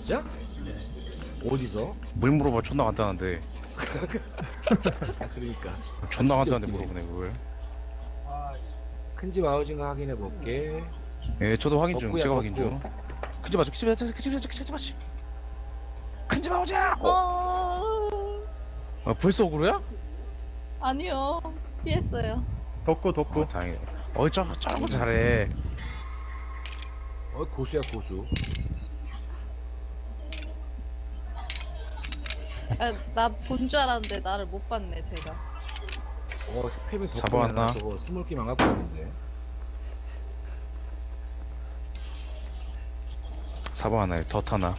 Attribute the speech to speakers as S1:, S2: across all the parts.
S1: 진짜? 어디서?
S2: 뭘 물어봐. 존나 간단한데.
S1: 그러니까
S2: 존나
S1: 진짜
S2: 간단한데
S1: 웃기네.
S2: 물어보네 그걸.
S1: 큰집 아우징가 확인해 볼게.
S2: 예, 저도 확인 중.
S1: 덕구야,
S2: 제가 확인
S1: 덕구.
S2: 중. 큰집 맞죠? 큰집 맞지? 큰집 아우자. 벌써 오그로야?
S3: 아니요. 피했어요.
S4: 덕구.
S2: 다행이네. 저런 거 잘해.
S1: 고수야 고수.
S3: 아, 나 본 줄 알았는데 나를 못 봤네 제가.
S1: 스팸이
S2: 사보 하나.
S1: 저거 스몰키 망하고 있는데.
S2: 사보 하나에 덧 하나.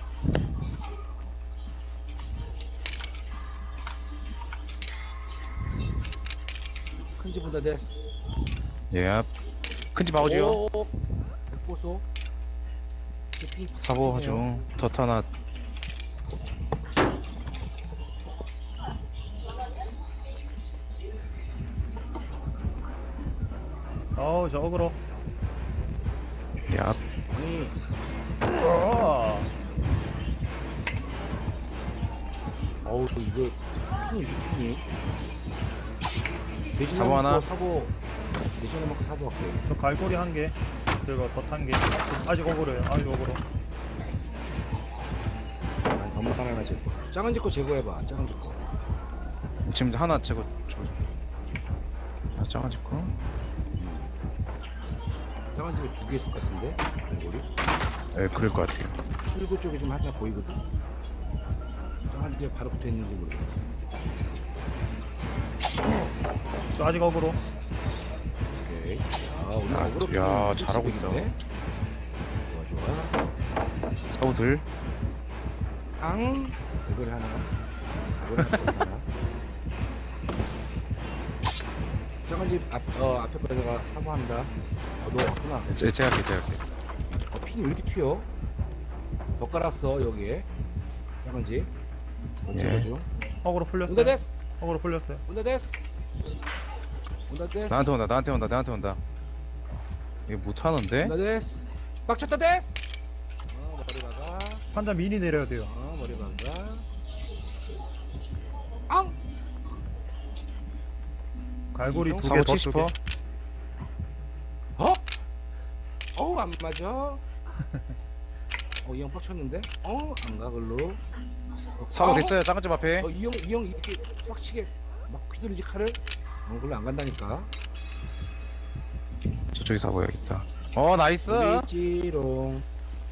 S1: 큰집 온다 데스.
S2: 예. 큰집 아우지요.
S1: 보소.
S2: 사보 중. 덧 하나.
S4: 어우 저 어그로.
S2: 예.
S1: 아니 어우 이거 핑이 핑이.
S2: 사보 하나.
S1: 사보 대신에 먹고 사보 할게.
S4: 저 갈고리 한 개. 그리고 덧 한 개. 아직 어그로예요. 아직 어그로.
S1: 난 덤막 하나 제거. 작은 집거 제거해봐. 작은 집거.
S2: 지금 하나 제거. 짱아지 거.
S1: 작은 집에 두 개 있을 것 같은데. 갈고리.
S2: 예, 그럴 것 같아요.
S1: 출구 쪽에 좀 하나 보이거든. 작은 집에 바로 붙어 있는지 모르겠어.
S4: 저 아직 어그로.
S1: 오케이. 오늘
S2: 야,
S1: 어그로
S2: 야,
S1: 핑이
S2: 잘하고
S1: 있네. 좋아.
S2: 사보들.
S1: 이걸 하나. 이걸 하나. 작은 집 앞에 거다가 사과한다. 너 왔구나.
S2: 제가 할게.
S1: 핑이 왜 이렇게 튀어? 더 깔았어 여기에. 작은 집.
S2: 예.
S4: 어그로 풀렸어요.
S1: 온다 데스.
S4: 어그로 풀렸어요.
S1: 온다 데스. 온다 데스.
S2: 나한테 온다. 이거 못하는데?
S1: 온다 데스. 빡쳤다 데스. 머리 박아.
S4: 판자 미리 내려야 돼요.
S1: 머리 박아.
S4: 갈고리 두 개
S2: 사보
S4: 더
S2: 치고
S4: 게.
S1: 어? 어우 안 맞아. 이 형 빡쳤는데? 안 가 글로.
S2: 사보 됐어요. 작은 집 앞에.
S1: 이 형 이렇게 빡치게 막 휘두르지 칼을? 글로 안 간다니까.
S2: 저쪽에 사보야겠다. 나이스.
S1: 지롱.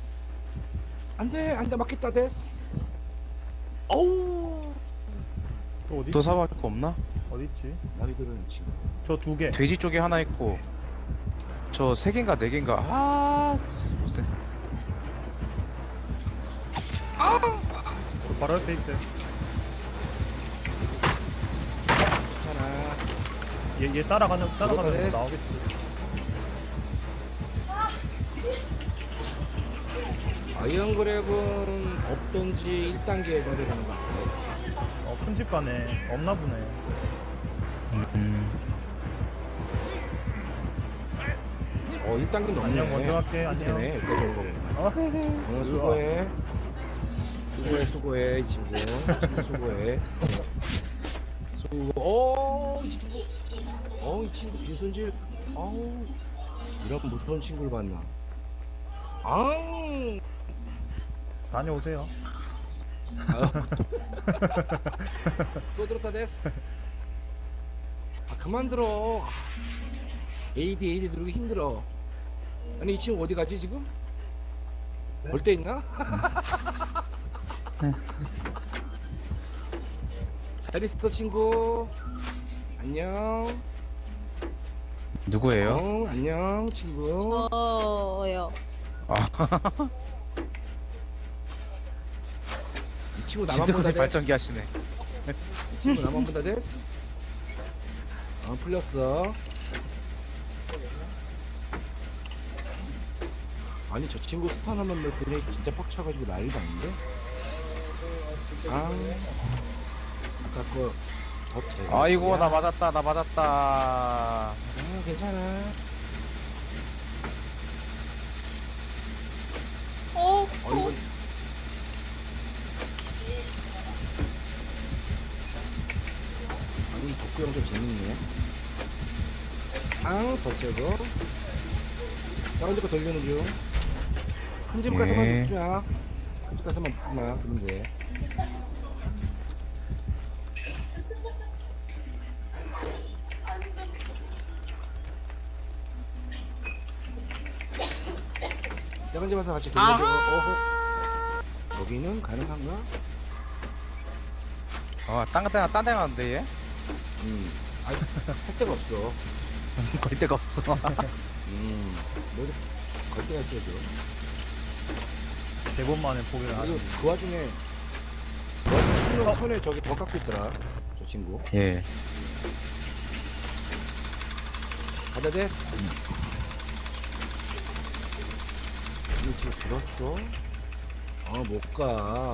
S1: 안돼 맞겠다 데스. 어우
S4: 또 어디?
S2: 또 사보 할 거 없나?
S4: 어디 있지?
S1: 나 휘두르는 친구.
S4: 저 두 개.
S2: 돼지 쪽에 하나 있고 저 3개인가 4개인가 못생.
S4: 바로 옆에 있어요.
S1: 괜찮아.
S4: 얘 따라가는 거
S1: 됐어.
S4: 나오겠지.
S1: 아이언 그랩은 없던지 1단계에 내려가는 것 같아.
S4: 큰 집 가네. 없나 보네.
S2: 음.
S1: 1단계 넘네.
S4: 안녕, 먼저 갈게. 안녕.
S1: 되네. 이거 좋은 거구나. 수고해. 수고해, 이 친구. 수고해. 이 친구. 이 친구 빈손질. 이런 무서운 친구를 봤나.
S4: 다녀오세요.
S1: 또 들었다 됐어. 그만 들어. AD 누르기 힘들어. 아니 이 친구 어디 가지 지금? 볼 데 있나? 잘 있어 친구. 안녕.
S2: 누구예요?
S1: 안녕 친구.
S3: 저요.
S1: 이 친구 나만 본다
S2: 진드분이
S1: 됐어.
S2: 발전기 하시네.
S1: 이 친구 나만 본다 됐어. 풀렸어. 아니 저 친구 스탄 한번 넣더니 진짜 빡쳐가지고 난리도 아닌데? 아까 거
S2: 아이고 나 맞았다.
S1: 괜찮아.
S3: 어,
S1: 이거 구형 좀 재밌네. 더 째고. 다운드 거 돌리는 중. 큰 집 가서만
S2: 네.
S1: 먹지 마. 큰 집 가서만 먹지 마. 그러면 돼. 작은 집 와서 같이 돌려줘. 어허. 여기는 가능한가?
S2: 딴 데 가는데 얘?
S1: 할 데가 없어.
S2: 걸 데가 없어.
S1: 뭐걸 데가 있어야죠.
S4: 3번 만에 포기를 하네.
S1: 그리고 그 와중에 손에 저기 더 깎고 있더라. 저 친구.
S2: 예.
S1: 가다 데스. 이거 지금 들었어? 못 가.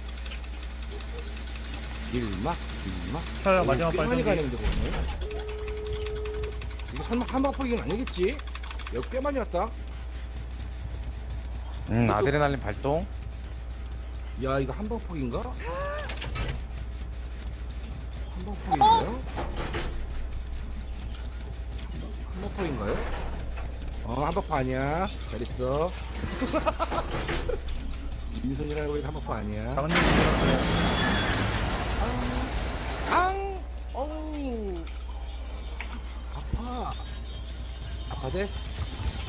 S1: 길막.
S4: 촬영 마지막
S1: 꽤 많이
S4: 발전기.
S1: 가는데 오늘. 이게 설마 한방폭이는 아니겠지? 여기 꽤 많이 왔다.
S2: 아드레날린 발동.
S1: 야, 이거 한방폭인가? 한방폭인가요? 한방폭인가요? 한방폭 아니야. 잘 있어. 민선이라고 해도 한방폭 아니야.
S4: 작은 집이 들었어요.
S1: 어우. 아파 데스.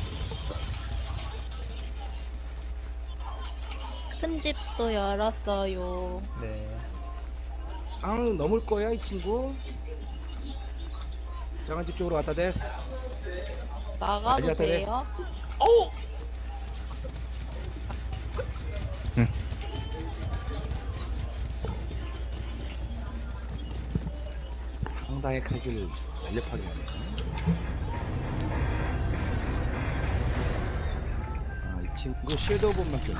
S3: 큰 집도 열었어요.
S4: 네.
S1: 넘을 거야, 이 친구. 작은 집 쪽으로 왔다 데스.
S3: 나가도
S1: 왔다
S3: 돼요?
S1: 어우! 상당히 칼질을 날렵하게 하네. 이 친구 섀도우 본밖에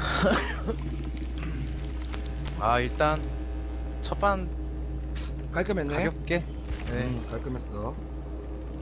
S1: 없네.
S2: 일단 첫반
S1: 깔끔했네.
S2: 가볍게. 네.
S1: 깔끔했어.